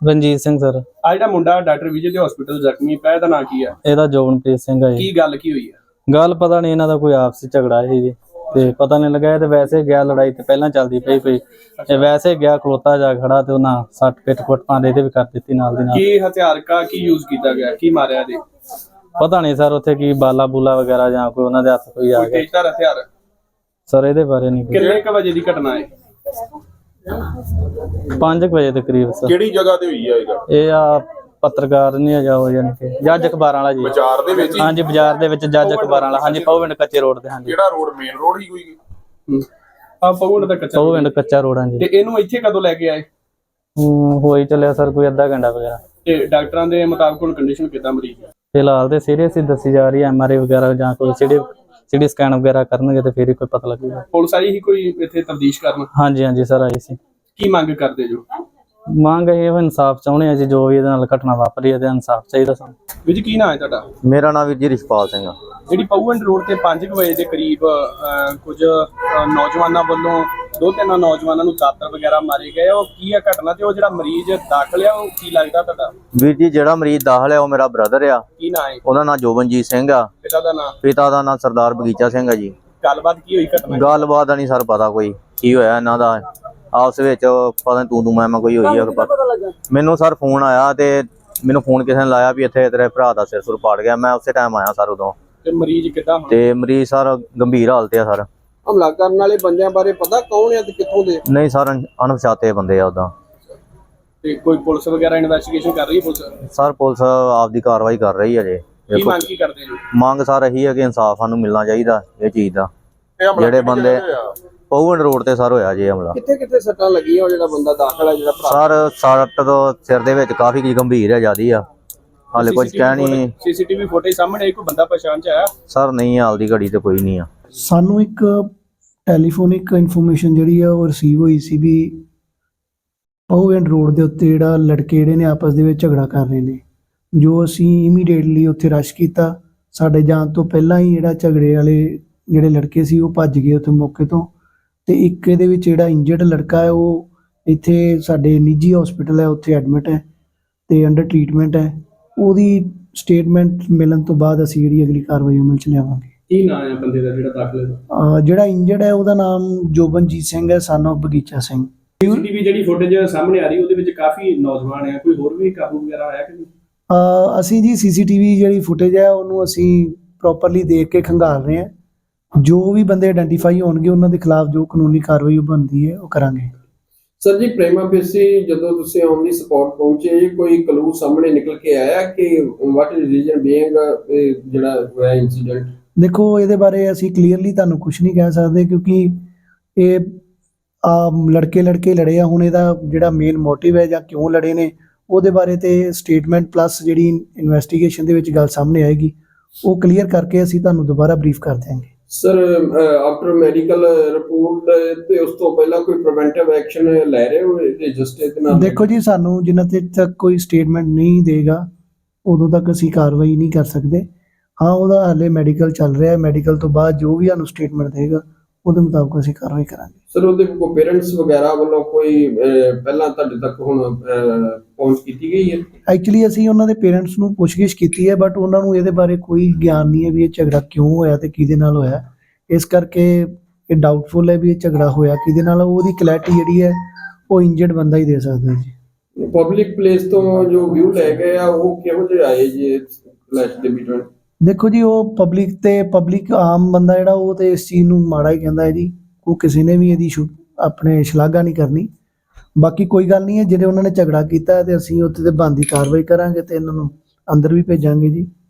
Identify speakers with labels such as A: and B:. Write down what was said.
A: Ranjit Singh sir.
B: ਆ ਜਿਹੜਾ ਮੁੰਡਾ ਡਾਕਟਰ ਵਿਜੇ ਦੇ ਹਸਪੀਟਲ ਜ਼ਖਮੀ ਪਿਆ, ਇਹਦਾ ਨਾਂ ਕੀ ਆ?
A: ਇਹਦਾ ਜੋਬਨਪ੍ਰੀਤ ਸਿੰਘ ਹੈ ਜੀ।
B: ਕੀ ਗੱਲ ਕੀ ਹੋਈ ਆ?
A: ਗੱਲ ਪਤਾ ਨਹੀਂ, ਇਹਨਾਂ ਦਾ ਕੋਈ ਆਪਸੀ ਝਗੜਾ ਸੀ ਜੀ, ਤੇ ਪਤਾ ਨਹੀਂ ਲੱਗਾ। ਇਹ ਤੇ ਵੈਸੇ ਗਿਆ, ਲੜਾਈ ਤੇ ਪਹਿਲਾਂ ਚੱਲਦੀ ਪਈ ਕੋਈ, ਇਹ ਵੈਸੇ ਗਿਆ ਖਲੋਤਾ ਜਾ ਖੜਾ ਤੇ ਉਹਨਾਂ ਸੱਟ ਪਿੱਟ ਕੁੱਟਾਂ ਇਹਦੇ ਵੀ ਕਰ ਦਿੱਤੀ ਨਾਲ ਦੀ ਨਾਲ।
B: ਕੀ ਹਥਿਆਰ ਕੀ ਯੂਜ਼ ਕੀਤਾ ਗਿਆ, ਕੀ ਮਾਰਿਆ ਇਹਦੇ?
A: ਪਤਾ ਨਹੀਂ ਸਰ, ਉੱਥੇ ਕੀ ਬਾਲਾ ਬੂਲਾ ਵਗੈਰਾ ਜਾਂ ਕੋਈ ਉਹਨਾਂ ਦੇ ਹੱਥ ਕੋਈ ਆ ਗਿਆ
B: ਤੇਜ਼ਧਾਰ ਹਥਿਆਰ
A: ਸਰ, ਇਹਦੇ ਬਾਰੇ ਨਹੀਂ।
B: ਕਿੰਨੇ ਕ ਵਜੇ ਦੀ ਘਟਨਾ ਹੈ?
A: 5 ਵਜੇ ਦੇ ਕਰੀਬ ਸਰ।
C: ਕਿਹੜੀ ਜਗ੍ਹਾ ਤੇ ਹੋਈ ਆ
A: ਇਹ ਆ ਪੱਤਰਕਾਰ ਨਹੀਂ ਆ ਹੋ ਜਾਣੀ ਕਿ ਜੱਜ ਅਖਬਾਰਾਂ ਵਾਲਾ ਜੀ।
C: ਬਾਜ਼ਾਰ ਦੇ ਵਿੱਚ?
A: ਹਾਂਜੀ, ਬਾਜ਼ਾਰ ਦੇ ਵਿੱਚ ਜੱਜ ਅਖਬਾਰਾਂ ਵਾਲਾ। ਹਾਂਜੀ, ਪਉਵਿੰਡ ਕੱਚੇ ਰੋਡ ਤੇ। ਹਾਂਜੀ,
C: ਕਿਹੜਾ ਰੋਡ? ਮੇਨ ਰੋਡ ਹੀ ਕੋਈ?
B: ਆ ਪਉਵਿੰਡ ਦਾ ਕੱਚਾ?
A: ਪਉਵਿੰਡ ਕੱਚਾ ਰੋਡ। ਹਾਂਜੀ।
B: ਤੇ ਇਹਨੂੰ ਇੱਥੇ ਕਦੋਂ ਲੈ ਕੇ ਆਏ?
A: ਹੋਈ ਚੱਲਿਆ ਸਰ ਕੋਈ ਅੱਧਾ ਘੰਟਾ ਵਗੈਰਾ।
B: ਤੇ ਡਾਕਟਰਾਂ ਦੇ ਮੁਤਾਬਕ ਹੁਣ ਕੰਡੀਸ਼ਨ ਕਿਦਾਂ ਮਰੀਜ਼ ਦੀ?
A: ਫਿਲਹਾਲ ਤੇ ਸੀਰੀਅਸ ਹੀ ਦੱਸੀ ਜਾ ਰਹੀ ਹੈ। MRI ਵਗੈਰਾ ਜਾਂ ਕੋਈ ਸਿਟੀ ਸਕੈਨ ਵਗੈਰਾ ਕਰਨਗੇ ਤੇ ਫਿਰ ਹੀ ਕੋਈ ਪਤਾ ਲੱਗੇਗਾ।
B: ਪੁਲਿਸ ਆਈ ਹੀ ਕੋਈ ਇੱਥੇ ਤਫਤੀਸ਼ ਕਰਨ?
A: ਹਾਂਜੀ ਹਾਂਜੀ ਸਰ, ਆਈ ਸੀ।
B: ਕੀ ਮੰਗ ਕਰਦੇ ਜੋ?
A: ਮੰਗ ਇਹ ਇਨਸਾਫ ਚਾਹੁੰਦੇ ਆ ਜੀ, ਜੋ ਵੀ ਇਹਦੇ ਨਾਲ ਘਟਨਾ ਵਾਪਰੀ ਹੈ ਤੇ ਇਨਸਾਫ ਚਾਹੀਦਾ ਸਾਨੂੰ।
B: ਵੀਰ ਜੀ ਕੀ ਨਾਂ ਹੈ ਤੁਹਾਡਾ?
D: ਮੇਰਾ ਨਾਮ ਵੀਰ ਜੀ ਰਿਸ਼ਪਾਲ ਸਿੰਘ ਆ।
B: ਜਿਹੜੀ ਪਉਵਿੰਡ ਰੋਡ ਤੇ 5 ਵਜੇ ਦੇ ਕਰੀਬ ਕੁਝ ਨੌਜਵਾਨਾਂ ਵੱਲੋਂ 2-3 ਨੌਜਵਾਨਾਂ ਨੂੰ ਦਾਤਰ ਵਗੈਰਾ ਮਾਰੇ ਗਏ, ਉਹ ਕੀ ਆ ਘਟਨਾ? ਤੇ ਉਹ ਜਿਹੜਾ ਮਰੀਜ਼ ਦਾਖਲ ਆ ਉਹ ਕੀ ਲੱਗਦਾ ਤੁਹਾਡਾ?
D: ਵੀਰ ਜੀ ਜਿਹੜਾ ਮਰੀਜ਼ ਦਾਖਲ ਆ ਉਹ ਮੇਰਾ ਬ੍ਰਦਰ ਆ।
B: ਕੀ ਨਾਂ ਹੈ?
D: ਉਹਦਾ ਨਾਮ ਜੋਬਨਜੀਤ ਸਿੰਘ ਆ।
B: ਪਿਤਾ ਦਾ ਨਾਂ?
D: ਪਿਤਾ ਦਾ ਨਾਮ ਸਰਦਾਰ ਬਗੀਚਾ ਸਿੰਘ ਆ ਜੀ।
B: ਗੱਲਬਾਤ ਕੀ ਹੋਈ ਘਟਨਾ?
D: ਗੱਲਬਾਤ ਨਹੀਂ ਸਰ ਪਤਾ ਕੋਈ ਕੀ ਹੋਇਆ ਇਹਨਾਂ ਦਾ ਆਪਸ ਵਿੱਚ, ਪਤਾ ਨੀ ਤੂੰ ਮੈਂ ਕੋਈ ਹੋਈ ਆ। ਮੈਨੂੰ ਸਰ ਫੋਨ ਆਇਆ ਤੇ ਮੈਨੂੰ ਫੋਨ ਕਿਸੇ ਨੇ ਲਾਇਆ ਵੀ ਇੱਥੇ ਤੇਰੇ ਭਰਾ ਦਾ ਸਿਰ ਸੁਰ ਪਾੜ ਗਿਆ। ਮੈਂ ਉਸੇ ਟਾਈਮ ਆਇਆ ਸਰ ਉਦੋਂ।
B: ਤੇ ਮਰੀਜ਼ ਕਿੱਦਾਂ ਹੁਣ?
D: ਤੇ ਮਰੀਜ਼ ਸਰ ਗੰਭੀਰ ਹਾਲਤ ਆ ਸਰ।
B: ਹਮਲਾ ਕਰਨ ਵਾਲੇ ਬੰਦਿਆਂ ਬਾਰੇ ਪਤਾ ਕੌਣ ਆ ਤੇ ਕਿੱਥੋਂ ਦੇ?
D: ਨਹੀਂ ਸਰ, ਅਣਪਛਾਤੇ ਬੰਦੇ ਆ ਉਦਾਂ।
B: ਤੇ ਕੋਈ ਪੁਲਿਸ ਵਗੈਰਾ ਇਨਵੈਸਟੀਗੇਸ਼ਨ ਕਰ ਰਹੀ ਹੈ ਪੁਲਿਸ?
D: ਸਰ ਪੁਲਿਸ ਆਪਦੀ ਕਾਰਵਾਈ ਕਰ ਰਹੀ ਹੈ ਜੇ।
B: ਕੀ ਮੰਗ ਕੀ ਕਰਦੇ ਜੋ?
D: ਮੰਗ ਸਰ ਇਹੀ ਹੈ ਕਿ ਇਨਸਾਫ ਸਾਨੂੰ ਮਿਲਣਾ ਚਾਹੀਦਾ ਇਹ ਚੀਜ਼ ਦਾ। ਜਿਹੜੇ ਬੰਦੇ ਪਉਵਿੰਡ ਰੋਡ ਤੇ ਸਰ ਹੋਇਆ ਜੀ ਹਮਲਾ।
B: ਕਿੱਥੇ ਕਿੱਥੇ ਸੱਟਾਂ ਲੱਗੀਆਂ? ਉਹ ਜਿਹੜਾ ਬੰਦਾ ਦਾਖਲ ਹੈ, ਜਿਹੜਾ ਭਰਾ?
D: ਸਰ ਸੱਟ ਤੋਂ ਸਿਰ ਦੇ ਵਿੱਚ ਕਾਫੀ ਗੰਭੀਰ ਹੈ, ਜਿਆਦੀ ਆ। ਹਾਲੇ ਕੁਝ ਕਹਿ ਨਹੀਂ।
B: ਸੀਸੀਟੀਵੀ ਫੁਟੇਜ ਸਾਹਮਣੇ ਕੋਈ ਬੰਦਾ ਪਛਾਣ ਚ ਆਇਆ?
D: ਸਰ ਨਹੀਂ, ਹਾਲ ਦੀ ਘੜੀ ਤੇ ਕੋਈ ਨਹੀਂ ਆ।
E: ਸਾਨੂੰ ਇੱਕ ਟੈਲੀਫੋਨਿਕ ਇਨਫੋਰਮੇਸ਼ਨ ਜਿਹੜੀ ਆ ਉਹ ਰਿਸੀਵ ਹੋਈ ਸੀ ਵੀ ਪਉਵਿੰਡ ਰੋਡ ਦੇ ਉੱਤੇ ਜਿਹੜਾ ਲੜਕੇ ਜਿਹੜੇ ਨੇ ਆਪਸ ਦੇ ਵਿੱਚ ਝਗੜਾ ਕਰ ਰਹੇ ਨੇ। ਜੋ ਅਸੀਂ ਇਮੀਡੀਏਟਲੀ ਉੱਥੇ ਰਸ਼ ਕੀਤਾ। ਸਾਡੇ ਜਾਣ ਤੋਂ ਪਹਿਲਾਂ ਹੀ ਜਿਹੜਾ ਝਗੜੇ ਵਾਲੇ ਜਿਹੜੇ ਲੜਕੇ ਸੀ ਉਹ ਭੱਜ ਗਏ ਉੱਥੇ ਮੌਕੇ ਤੋਂ। ਤੇ ਇੱਕ ਇਹਦੇ ਵਿੱਚ ਜਿਹੜਾ ਇੰਜਰਡ ਲੜਕਾ ਹੈ ਉਹ ਇੱਥੇ ਸਾਡੇ ਨਿੱਜੀ ਹਸਪੀਟਲ ਹੈ ਉੱਥੇ ਐਡਮਿਟ ਹੈ ਤੇ ਅੰਡਰ ਟਰੀਟਮੈਂਟ ਹੈ। ਉਹਦੀ ਸਟੇਟਮੈਂਟ ਮਿਲਣ ਤੋਂ ਬਾਅਦ ਅਸੀਂ ਜਿਹੜੀ ਅਗਲੀ ਕਾਰਵਾਈ ਅਮਲ ਚ ਲਿਆਵਾਂਗੇ।
B: ਕੀ ਨਾਮ ਹੈ ਬੰਦੇ ਦਾ ਜਿਹੜਾ ਦਾਖਲ ਹੈ?
E: ਜਿਹੜਾ ਇੰਜਰਡ ਹੈ ਉਹਦਾ ਨਾਮ ਜੋਬਨਜੀਤ ਸਿੰਘ ਹੈ, ਸਨ ਆਫ ਬਗੀਚਾ ਸਿੰਘ।
B: ਸੀਸੀਟੀਵੀ ਜਿਹੜੀ ਫੁਟੇਜ ਸਾਹਮਣੇ ਆ ਰਹੀ ਉਹਦੇ ਵਿੱਚ ਕਾਫੀ ਨੌਜਵਾਨ ਆ, ਕੋਈ ਹੋਰ ਵੀ ਕਾਬੂ ਵਗੈਰਾ ਆਇਆ ਕਿ ਨਹੀਂ?
E: ਅਸੀਂ ਜੀ ਸੀਸੀਟੀਵੀ ਜਿਹੜੀ ਫੁਟੇਜ ਹੈ ਉਹਨੂੰ ਅਸੀਂ ਪ੍ਰੋਪਰਲੀ ਦੇਖ ਕੇ ਖੰਗਾਲ ਰਹੇ ਹਾਂ। ਜੋ ਵੀ ਬੰਦੇ ਆਇਡੈਂਟੀਫਾਈ ਹੋਣਗੇ ਉਹਨਾਂ ਦੇ ਖਿਲਾਫ ਜੋ ਕਾਨੂੰਨੀ ਕਾਰਵਾਈ ਬਣਦੀ ਹੈ ਉਹ ਕਰਾਂਗੇ।
F: ਸਰ ਜੀ, ਪ੍ਰੇਮਾ ਫੇਸੀ ਜਦੋਂ ਤੁਸੀਂ ਔਨ ਦੀ ਸਪੌਟ ਪਹੁੰਚੇ, ਕੋਈ ਕਲੂ ਸਾਹਮਣੇ ਨਿਕਲ ਕੇ ਆਇਆ ਕਿ ਵਾਟ ਇਜ਼ ਰੀਜ਼ਨ ਬੀਇੰਗ ਜਿਹੜਾ ਹੋਇਆ ਇਨਸੀਡੈਂਟ?
E: ਦੇਖੋ, ਇਹਦੇ ਬਾਰੇ ਅਸੀਂ ਕਲੀਅਰਲੀ ਤੁਹਾਨੂੰ ਕੁਝ ਨਹੀਂ ਕਹਿ ਸਕਦੇ ਕਿਉਂਕਿ ਇਹ ਲੜਕੇ ਲੜੇ ਆ। ਹੁਣ ਇਹਦਾ ਜਿਹੜਾ ਮੇਨ ਮੋਟਿਵ ਹੈ ਜਾਂ ਕਿਉਂ ਲੜੇ ਨੇ ਉਹਦੇ ਬਾਰੇ ਤੇ ਸਟੇਟਮੈਂਟ ਪਲੱਸ ਜਿਹੜੀ ਇਨਵੈਸਟੀਗੇਸ਼ਨ ਦੇ ਵਿੱਚ ਗੱਲ ਸਾਹਮਣੇ ਆਏਗੀ ਉਹ ਕਲੀਅਰ ਕਰਕੇ ਅਸੀਂ ਤੁਹਾਨੂੰ ਦੁਬਾਰਾ ਬਰੀਫ ਕਰ ਦਿਆਂਗੇ।
F: ਸਰ, ਆਫਟਰ ਮੈਡੀਕਲ ਰਿਪੋਰਟ ਤੇ ਉਸ ਤੋਂ ਪਹਿਲਾਂ ਕੋਈ ਪ੍ਰੀਵੈਂਟਿਵ ਐਕਸ਼ਨ ਲੈ ਰਹੇ ਹੋ ਇਹਦੇ ਜਸਟਿਸ ਦੇ ਨਾਲ?
E: ਦੇਖੋ ਜੀ, ਸਾਨੂੰ ਜਿੰਨਾ ਚਿਰ ਤੱਕ ਕੋਈ ਸਟੇਟਮੈਂਟ ਨਹੀਂ ਦੇਗਾ ਉਦੋਂ ਤੱਕ ਅਸੀਂ ਕਾਰਵਾਈ ਨਹੀਂ ਕਰ ਸਕਦੇ। ਹਾਂ, ਉਹਦਾ ਹਾਲੇ ਮੈਡੀਕਲ ਚੱਲ ਰਿਹਾ ਹੈ। ਮੈਡੀਕਲ ਤੋਂ ਬਾਅਦ ਜੋ ਵੀ ਸਾਨੂੰ ਸਟੇਟਮੈਂਟ ਦੇਗਾ ਉਹਦੇ ਮੁਤਾਬਕ ਅਸੀਂ ਕਾਰਵਾਈ ਕਰਾਂਗੇ।
F: ਸਰ, ਉਹਦੇ ਕੋਈ ਪੇਰੈਂਟਸ ਵਗੈਰਾ ਵੱਲੋਂ ਕੋਈ ਪਹਿਲਾਂ ਤੁਹਾਡੇ ਤੱਕ ਹੁਣ ਪਹੁੰਚ ਕੀਤੀ ਗਈ ਹੈ?
E: ਐਕਚੁਅਲੀ ਅਸੀਂ ਉਹਨਾਂ ਦੇ ਪੇਰੈਂਟਸ ਨੂੰ ਪੁੱਛਗਿੱਛ ਕੀਤੀ ਹੈ ਬਟ ਉਹਨਾਂ ਨੂੰ ਇਹਦੇ ਬਾਰੇ ਕੋਈ ਗਿਆਨ ਨਹੀਂ ਹੈ ਵੀ ਇਹ ਝਗੜਾ ਕਿਉਂ ਹੋਇਆ ਤੇ ਕਿਹਦੇ ਨਾਲ ਹੋਇਆ। ਇਸ ਕਰਕੇ ਇਹ ਡਾਊਟਫੁਲ ਹੈ ਵੀ ਇਹ ਝਗੜਾ ਹੋਇਆ ਕਿਹਦੇ ਨਾਲ। ਉਹਦੀ ਕਲੈਰਿਟੀ ਜਿਹੜੀ ਹੈ ਉਹ ਇੰਜਰਡ ਬੰਦਾ ਹੀ ਦੇ ਸਕਦਾ ਜੀ।
F: ਪਬਲਿਕ ਪਲੇਸ ਤੋਂ ਜੋ ਵਿਊ ਲੈ ਗਏ ਆ ਉਹ ਕਿਹੋ ਜਿਹੇ ਆਏ ਜੀ ਕਲੈਸ਼ ਦੇ ਬਿਟਵੀਨ?
E: ਦੇਖੋ ਜੀ, ਉਹ ਪਬਲਿਕ ਆਮ ਬੰਦਾ ਜਿਹੜਾ ਉਹ ਤੇ ਇਸ ਚੀਜ਼ ਨੂੰ ਮਾੜਾ ਹੀ ਕਹਿੰਦਾ ਹੈ ਜੀ। ਉਹ ਕਿਸੇ ਨੇ ਵੀ ਇਹਦੀ ਆਪਣੇ ਸ਼ਲਾਘਾ ਨਹੀਂ ਕਰਨੀ। ਬਾਕੀ ਕੋਈ ਗੱਲ ਨਹੀਂ ਹੈ, ਜਿਹੜੇ ਉਹਨਾਂ ਨੇ ਝਗੜਾ ਕੀਤਾ ਤੇ ਅਸੀਂ ਉੱਥੇ ਤੇ ਬਣਦੀ ਕਾਰਵਾਈ ਕਰਾਂਗੇ ਤੇ ਇਹਨਾਂ ਨੂੰ ਅੰਦਰ ਵੀ ਭੇਜਾਂਗੇ ਜੀ।